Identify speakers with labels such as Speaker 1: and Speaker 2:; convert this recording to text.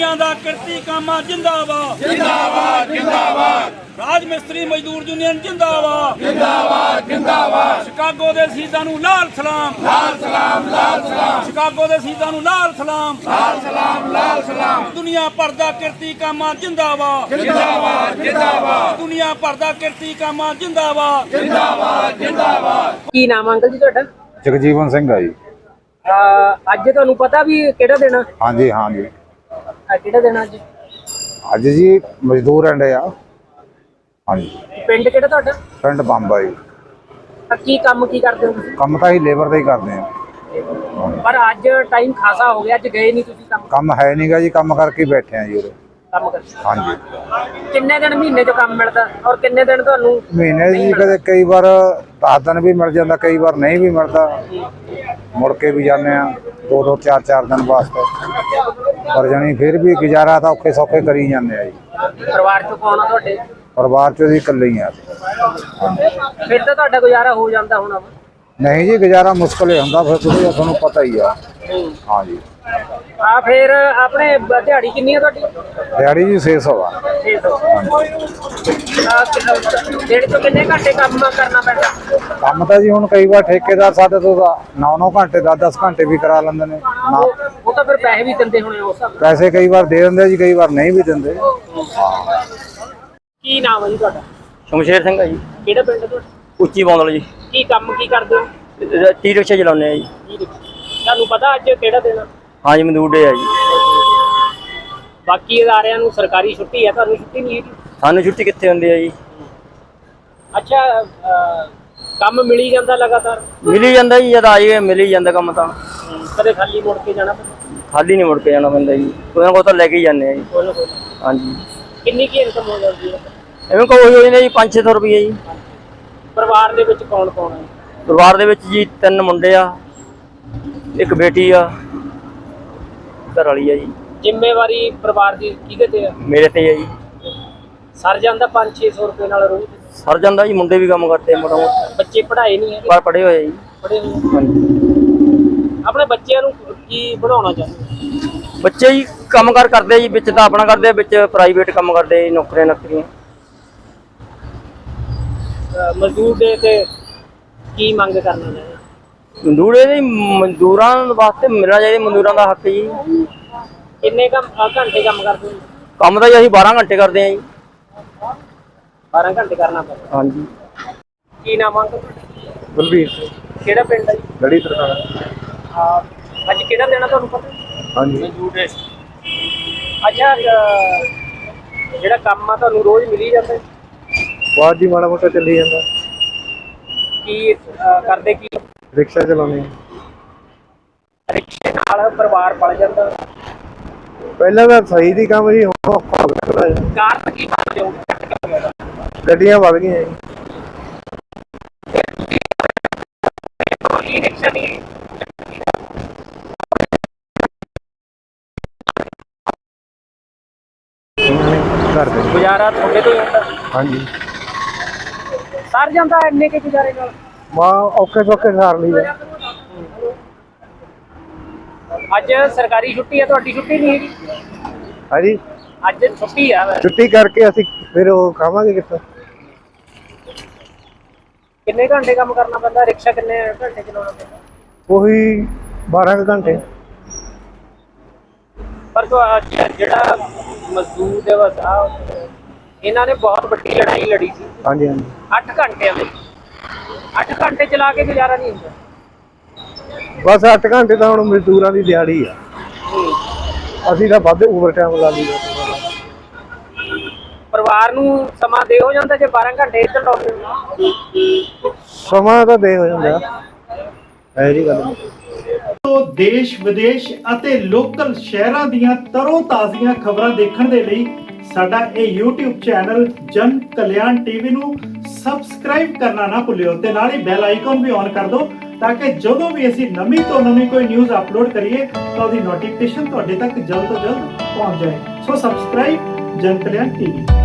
Speaker 1: ਮਜ਼ਦੂਰੀਆਂ ਦਾ ਕਿਰਤੀ ਕਾਮਾ ਜਿੰਦਾਬਾਦ
Speaker 2: जिंदाबाद जिंदाबाद
Speaker 1: ਰਾਜ ਮਿਸਤਰੀ ਮਜ਼ਦੂਰ ਯੂਨੀਅਨ ਜਿੰਦਾਬਾਦ
Speaker 2: जिंदाबाद जिंदाबाद
Speaker 1: ਸ਼ਿਕਾਗੋ ਦੇ ਸ਼ਹੀਦਾਂ ਨੂੰ ਲਾਲ ਸਲਾਮ
Speaker 2: लाल सलाम
Speaker 1: ਸ਼ਿਕਾਗੋ ਦੇ ਸ਼ਹੀਦਾਂ ਨੂੰ ਲਾਲ ਸਲਾਮ
Speaker 2: लाल सलाम
Speaker 1: ਦੁਨੀਆ ਭਰ ਦਾ ਕਿਰਤੀ ਕਾਮਾ ਜਿੰਦਾਬਾਦ
Speaker 2: जिंदाबाद जिंदाबाद
Speaker 1: ਦੁਨੀਆ ਭਰ ਦਾ ਕਿਰਤੀ ਕਾਮਾ ਜਿੰਦਾਬਾਦ
Speaker 2: जिंदाबाद जिंदाबाद
Speaker 3: ਕੀ ਨਾਮ ਅੰਕਲ ਜੀ ਤੁਹਾਡਾ?
Speaker 4: ਜਗਜੀਵਨ ਸਿੰਘ ਆ ਜੀ।
Speaker 3: ਅੱਜ ਤੁਹਾਨੂੰ ਪਤਾ ਵੀ ਕਿਹੜਾ ਦਿਨ ਆ?
Speaker 4: ਹਾਂਜੀ ਹਾਂਜੀ
Speaker 3: ਕਿਹੜਾ ਦਿਨ ਅੱਜ?
Speaker 4: ਅੱਜ ਜੀ ਮਜ਼ਦੂਰ ਐਂਡ ਆ। ਹਾਂਜੀ
Speaker 3: ਪਿੰਡ ਕਿਹੜਾ ਤੁਹਾਡਾ?
Speaker 4: ਪਿੰਡ ਬੰਬਾ ਜੀ।
Speaker 3: ਕੀ ਕੰਮ ਕੀ ਕਰਦੇ ਹੋ ਤੁਸੀਂ?
Speaker 4: ਕੰਮ ਤਾਂ ਹੀ ਲੇਬਰ ਦਾ ਹੀ ਕਰਦੇ ਆ।
Speaker 3: ਪਰ ਅੱਜ ਟਾਈਮ ਖਾਸਾ ਹੋ ਗਿਆ, ਅੱਜ ਗਏ ਨਹੀਂ ਤੁਸੀਂ ਕੰਮ?
Speaker 4: ਕੰਮ ਹੈ ਨਹੀਂਗਾ ਜੀ, ਕੰਮ ਕਰਕੇ ਹੀ ਬੈਠੇ ਆ ਜੀ ਉਰੇ।
Speaker 3: ਕੰਮ ਕਰਦੇ
Speaker 4: ਹਾਂਜੀ
Speaker 3: ਕਿੰਨੇ ਦਿਨ ਮਹੀਨੇ 'ਚ ਕੰਮ ਮਿਲਦਾ ਔਰ ਕਿੰਨੇ ਦਿਨ ਤੁਹਾਨੂੰ
Speaker 4: ਮਹੀਨੇ ਜੀ ਕਦੇ ਕਈ ਵਾਰ 10 ਦਿਨ ਵੀ ਮਿਲ ਜਾਂਦਾ, ਕਈ ਵਾਰ ਨਹੀਂ ਵੀ ਮਿਲਦਾ। ਮੁੜ ਕੇ ਵੀ ਜਾਂਦੇ ਆ 2-2 4-4 ਦਿਨ ਵਾਸਤੇ, ਪਰ ਜਾਣੀ ਫਿਰ ਵੀ ਗੁਜ਼ਾਰਾ ਤਾਂ ਔਖੇ ਸੌਖੇ ਕਰੀ ਜਾਂਦੇ ਆ ਜੀ।
Speaker 3: ਪਰਿਵਾਰ 'ਚ ਕੌਣ ਆ ਤੁਹਾਡੇ?
Speaker 4: ਪਰਿਵਾਰ ਚ ਜੀ ਇਕੱਲੇ ਹੀ ਆ।
Speaker 3: ਫਿਰ ਤਾਂ ਤੁਹਾਡਾ ਗੁਜ਼ਾਰਾ ਹੋ ਜਾਂਦਾ ਹੋਣਾ ਵਾ।
Speaker 4: ਨਹੀਂ ਜੀ, ਗੁਜ਼ਾਰਾ ਮੁਸ਼ਕਲ ਹੀ ਹੁੰਦਾ ਫਿਰ, ਤੁਸੀਂ ਤੁਹਾਨੂੰ ਪਤਾ ਹੀ ਆ। ਹਾਂਜੀ
Speaker 3: ਫਿਰ ਆਪਣੇ ਦਿਹਾੜੀ ਕਿੰਨੀ ਆ ਤੁਹਾਡੀ?
Speaker 4: ਦਿਹਾੜੀ ਜੀ 600 ਆ।
Speaker 3: 600 ਦਿਨ ਤੋਂ ਕਿੰਨੇ ਘੰਟੇ ਕੰਮ ਕਰਨਾ ਪੈਂਦਾ?
Speaker 4: ਕੰਮ ਤਾਂ ਜੀ ਹੁਣ ਕਈ ਵਾਰ ਠੇਕੇਦਾਰ ਸਾਡੇ ਤੋਂ 9-9 ਘੰਟੇ 10-10 ਘੰਟੇ ਵੀ ਕਰਾ ਲੈਂਦੇ ਨੇ ਨਾ।
Speaker 3: ਉਹ ਤਾਂ ਫਿਰ ਪੈਸੇ ਵੀ ਦਿੰਦੇ ਹੋਣੇ ਉਸ ਹਿਸਾਬ ਨਾਲ।
Speaker 4: ਪੈਸੇ ਕਈ ਵਾਰ ਦੇ ਦਿੰਦੇ ਜੀ, ਕਈ ਵਾਰ ਨਹੀਂ ਵੀ ਦਿੰਦੇ।
Speaker 3: ਕੀ ਨਾਮ ਹੈ ਜੀ ਤੁਹਾਡਾ?
Speaker 5: ਸ਼ਮਸ਼ੇਰ ਸਿੰਘ ਹੈ ਜੀ,
Speaker 3: ਕਿਹੜਾ ਪਿੰਡ ਹੈ ਤੁਹਾਡਾ?
Speaker 5: ਉੱਚੀ ਬੌਂਦਲ ਜੀ।
Speaker 3: ਕੀ ਕੰਮ ਕੀ ਕਰਦੇ ਹੋ?
Speaker 5: ਟੀ ਰਿਕਸ਼ਾ ਚਲਾਉਂਦੇ ਆ ਜੀ।
Speaker 3: ਤੁਹਾਨੂੰ ਪਤਾ ਅੱਜ ਕਿਹੜਾ ਦਿਨ ਆ?
Speaker 5: ਹਾਂਜੀ ਮਜ਼ਦੂਰ ਡੇ ਆ ਜੀ।
Speaker 3: ਬਾਕੀ ਅਦਾਰਿਆਂ ਨੂੰ ਸਰਕਾਰੀ ਛੁੱਟੀ ਹੈ, ਤੁਹਾਨੂੰ ਛੁੱਟੀ ਨਹੀਂ ਹੈਗੀ?
Speaker 5: ਸਾਨੂੰ ਛੁੱਟੀ ਕਿੱਥੇ ਹੁੰਦੀ ਆ ਜੀ?
Speaker 3: ਅੱਛਾ, ਕੰਮ ਮਿਲੀ ਜਾਂਦਾ ਲਗਾਤਾਰ?
Speaker 5: ਮਿਲ ਹੀ ਜਾਂਦਾ ਜੀ, ਜਦ ਆ ਜਾਈਏ ਮਿਲ ਹੀ ਜਾਂਦਾ ਕੰਮ ਤਾਂ।
Speaker 3: ਕਦੇ ਖਾਲੀ ਮੁੜ ਕੇ ਜਾਣਾ ਪੈਂਦਾ?
Speaker 5: ਖਾਲੀ ਨਹੀਂ ਮੁੜ ਕੇ ਜਾਣਾ ਪੈਂਦਾ ਜੀ, ਕੋਈ ਨਾ ਕੋਈ ਤਾਂ ਲੈ ਕੇ ਹੀ ਜਾਂਦੇ ਆ ਜੀ।
Speaker 3: ਕੋਈ ਨਾ ਕੋਈ।
Speaker 5: ਹਾਂਜੀ
Speaker 3: ਕਿੰਨੀ ਕੀ ਇਨਕਮ ਹੋ ਜਾਂਦੀ ਹੈ?
Speaker 5: ਐਵੇਂ ਕੋਈ ਹੋ ਜਾਂਦਾ ਜੀ 500-600 ਰੁਪਏ ਜੀ।
Speaker 3: ਪਰਿਵਾਰ ਦੇ ਵਿੱਚ ਕੌਣ ਕੌਣ ਹੈ?
Speaker 5: ਪਰਿਵਾਰ ਦੇ ਵਿੱਚ ਜੀ 3 ਮੁੰਡੇ ਆ, ਇੱਕ ਬੇਟੀ ਆ, ਘਰ ਵਾਲੀ ਆ ਜੀ।
Speaker 3: ਜ਼ਿੰਮੇਵਾਰੀ ਪਰਿਵਾਰ ਦੀ ਕਿਹਦੇ ਤੇ ਆ?
Speaker 5: ਮੇਰੇ ਤੇ ਆ ਜੀ।
Speaker 3: ਸਰ ਜਾਂਦਾ 500-600 ਰੁਪਏ ਨਾਲ ਰੋਜ਼?
Speaker 5: ਸਰ ਜਾਂਦਾ ਜੀ, ਮੁੰਡੇ ਵੀ ਕੰਮ ਕਰਦੇ ਮੋਟਾ ਮੋਟਾ,
Speaker 3: ਬੱਚੇ ਪੜ੍ਹਾਏ ਨਹੀਂ ਹੈਗੇ?
Speaker 5: ਪਰ ਪੜ੍ਹੇ ਹੋਏ ਆ ਜੀ।
Speaker 3: ਪੜ੍ਹੇ ਹੋਏ?
Speaker 5: ਹਾਂਜੀ
Speaker 3: ਆਪਣੇ ਬੱਚਿਆਂ ਨੂੰ ਕੀ ਬਣਾਉਣਾ ਚਾਹੁੰਦੇ?
Speaker 5: ਬੱਚੇ ਜੀ ਕੰਮਕਾਰ ਕਰਦੇ ਜੀ, ਵਿੱਚ ਤਾਂ ਆਪਣਾ ਕਰਦੇ ਆ, ਵਿੱਚ ਪ੍ਰਾਈਵੇਟ ਕੰਮ ਕਰਦੇ ਜੀ, ਨੌਕਰੀਆਂ ਨੌਕਰੀਆਂ।
Speaker 3: ਮਜ਼ਦੂਰ ਦੇ ਤੇ ਕੀ ਮੰਗ ਕਰਨਾ ਚਾਹੁੰਦੇ?
Speaker 5: ਮਜ਼ਦੂਰ ਇਹਦੇ ਮਜ਼ਦੂਰਾਂ ਵਾਸਤੇ ਮਿਲਣਾ ਚਾਹੀਦਾ, ਮਜ਼ਦੂਰਾਂ ਦਾ ਹੱਕ ਜੀ।
Speaker 3: ਕਿੰਨੇ ਘੰਟੇ ਕੰਮ ਕਰਦੇ ਹੋ?
Speaker 5: ਕੰਮ ਤਾਂ ਜੀ ਅਸੀਂ 12 ਘੰਟੇ ਕਰਦੇ ਆ ਜੀ।
Speaker 3: 12 ਘੰਟੇ ਕਰਨਾ ਪੈਂਦਾ?
Speaker 5: ਹਾਂਜੀ।
Speaker 3: ਕੀ ਨਾਮ ਆ?
Speaker 4: ਬਲਵੀਰ
Speaker 3: ਕਿਹੜਾ ਪਿੰਡ ਹੈ ਜੀ?
Speaker 4: ਲੜੀ ਤਰ੍ਹਾਂ।
Speaker 3: ਅੱਜ ਕਿਹੜਾ ਦੇਣਾ ਤੁਹਾਨੂੰ ਪਤਾ?
Speaker 4: ਹਾਂਜੀ
Speaker 3: ਅੱਛਾ, ਜਿਹੜਾ ਕੰਮ ਆ ਤੁਹਾਨੂੰ ਰੋਜ਼ ਮਿਲੀ ਜਾਂਦਾ?
Speaker 4: ਬਾਅਦ ਜੀ ਮਾੜਾ ਮੋਟਾ ਚੱਲੀ ਜਾਂਦਾ।
Speaker 3: ਕੀ ਕਰਦੇ ਕੀ?
Speaker 4: ਰਿਕਸ਼ਾ ਚਲਾਉਂਦੇ
Speaker 3: ਰਿਕਸ਼ੇ ਨਾਲ ਪਰਿਵਾਰ ਪਲ ਜਾਂਦਾ?
Speaker 4: ਪਹਿਲਾਂ ਤਾਂ ਸਹੀ ਦੀ ਕੰਮ ਜੀ, ਹੁਣ ਔਖਾ ਹੋ ਗਿਆ ਥੋੜ੍ਹਾ ਜਿਹਾ।
Speaker 3: ਕਾਰਨ ਕੀ ਮੰਨਦੇ ਹੋ?
Speaker 4: ਗੱਡੀਆਂ ਵੱਧ ਗਈਆਂ ਜੀ।
Speaker 3: ਇਹ ਰਿਕਸ਼ਾ ਨਹੀਂ
Speaker 4: ਕਰਦੇ
Speaker 3: ਗੁਜ਼ਾਰਾ ਤੁਹਾਡੇ ਤੋਂ ਹੀ ਹੁੰਦਾ?
Speaker 4: ਹਾਂਜੀ
Speaker 3: ਸਰ ਜਾਂਦਾ ਇੰਨੇ ਕੇ ਗੁਜ਼ਾਰੇ ਨਾਲ?
Speaker 4: ਮਾਂ ਔਖੇ ਸੌਖੇ ਸਾਰ ਲਈ ਆ।
Speaker 3: ਅੱਜ ਸਰਕਾਰੀ ਛੁੱਟੀ ਹੈ, ਤੁਹਾਡੀ ਛੁੱਟੀ ਨਹੀਂ ਹੈਗੀ?
Speaker 4: ਹਾਂਜੀ
Speaker 3: ਅੱਜ ਛੁੱਟੀ ਆ।
Speaker 4: ਛੁੱਟੀ ਕਰਕੇ ਅਸੀਂ ਫਿਰ ਉਹ ਖਾਵਾਂਗੇ ਕਿੱਥੋਂ।
Speaker 3: ਕਿੰਨੇ ਘੰਟੇ ਕੰਮ ਕਰਨਾ ਪੈਂਦਾ? ਰਿਕਸ਼ਾ ਕਿੰਨੇ ਘੰਟੇ ਚਲਾਉਣਾ ਪੈਂਦਾ?
Speaker 4: ਉਹੀ 12 ਕੁ ਘੰਟੇ।
Speaker 3: ਪਰ ਜਿਹੜਾ ਮਜ਼ਦੂਰ ਦਿਵਸ ਆ, ਇਹਨਾਂ ਨੇ ਬਹੁਤ ਵੱਡੀ ਲੜਾਈ ਲੜੀ ਸੀ।
Speaker 4: ਹਾਂਜੀ ਹਾਂਜੀ
Speaker 3: 8 ਘੰਟਿਆਂ ਦੇ 8 ਘੰਟੇ ਚਲਾ ਕੇ ਗੁਜ਼ਾਰਾ ਨਹੀਂ ਹੁੰਦਾ।
Speaker 4: ਬਸ 8 ਘੰਟੇ ਤਾਂ ਹੁਣ ਮਜ਼ਦੂਰਾਂ ਦੀ ਦਿਹਾੜੀ ਆ, ਅਸੀਂ ਤਾਂ ਵੱਧ ਓਵਰ ਟਾਈਮ ਲਾ ਲਈਦਾ।
Speaker 3: ਪਰਿਵਾਰ ਨੂੰ ਸਮਾਂ ਦੇ ਹੋ ਜਾਂਦਾ ਜੇ 12 ਘੰਟੇ ਇੱਧਰ ਲਾਉਂਦੇ?
Speaker 4: ਸਮਾਂ ਤਾਂ ਦੇ ਹੋ ਜਾਂਦਾ, ਇਹ ਜੀ ਗੱਲ।
Speaker 6: ਦੇਸ਼ ਵਿਦੇਸ਼ ਅਤੇ ਲੋਕਲ ਸ਼ਹਿਰਾਂ ਦੀਆਂ ਤਰੋ ਤਾਜ਼ੀਆਂ ਖਬਰਾਂ ਦੇਖਣ ਦੇ ਲਈ ਸਾਡਾ ਇਹ YouTube ਚੈਨਲ ਜਨ ਕਲਿਆਣ ਟੀਵੀ ਨੂੰ ਸਬਸਕ੍ਰਾਈਬ ਕਰਨਾ ਨਾ ਭੁੱਲਿਓ ਤੇ ਨਾਲ ਹੀ ਬੈਲ ਆਈਕਨ ਵੀ ਔਨ ਕਰ ਦਿਓ, ਤਾਂ ਕਿ ਜਦੋਂ ਵੀ ਅਸੀਂ ਨਵੀਂ ਤੋਂ ਨਵੀਂ ਕੋਈ ਨਿਊਜ਼ ਅਪਲੋਡ ਕਰੀਏ ਤਾਂ ਉਹਦੀ ਨੋਟੀਫਿਕੇਸ਼ਨ ਤੁਹਾਡੇ ਤੱਕ ਜਲਦ ਤੋਂ ਜਲਦ ਪਹੁੰਚ ਜਾਏ। ਸੋ ਸਬਸਕ੍ਰਾਈਬ ਜਨ ਕਲਿਆਣ ਟੀਵੀ।